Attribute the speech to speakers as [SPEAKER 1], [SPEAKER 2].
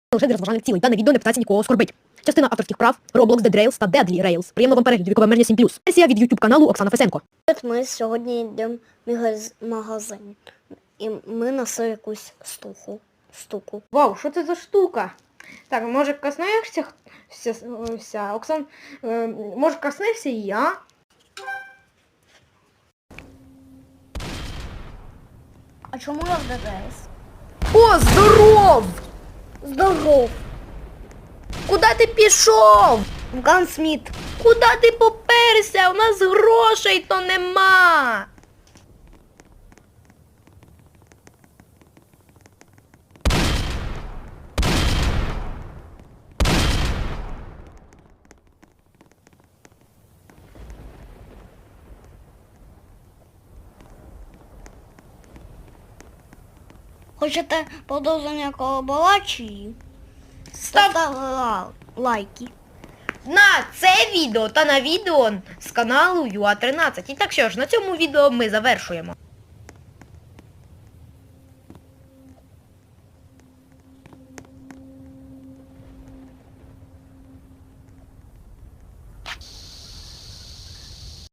[SPEAKER 1] Лише для розважальних цілей. Дане відео не питається нікого оскорбить. Частина авторських прав, Roblox, Dead Rails та Deadly Rails. Приємного вам перегляду, вікове обмеження 7+. Сесія від YouTube каналу Оксана Фесенко.
[SPEAKER 2] Ми сьогодні йдемо в магазин. І ми знайшли якусь штуку.
[SPEAKER 3] Вау, що це за штука? Так, може коснешся Оксан, може коснешся і я?
[SPEAKER 2] А чому я в Dead Rails?
[SPEAKER 3] О, здоров!
[SPEAKER 2] Здоров!
[SPEAKER 3] Куди ти пішов?
[SPEAKER 2] В Гансміт.
[SPEAKER 3] Куди ти поперся? У нас грошей то нема.
[SPEAKER 2] Хочете продовження колаборації? Ставте лайки.
[SPEAKER 3] На це відео та на відео з каналу UA13. І так що ж, на цьому відео ми завершуємо.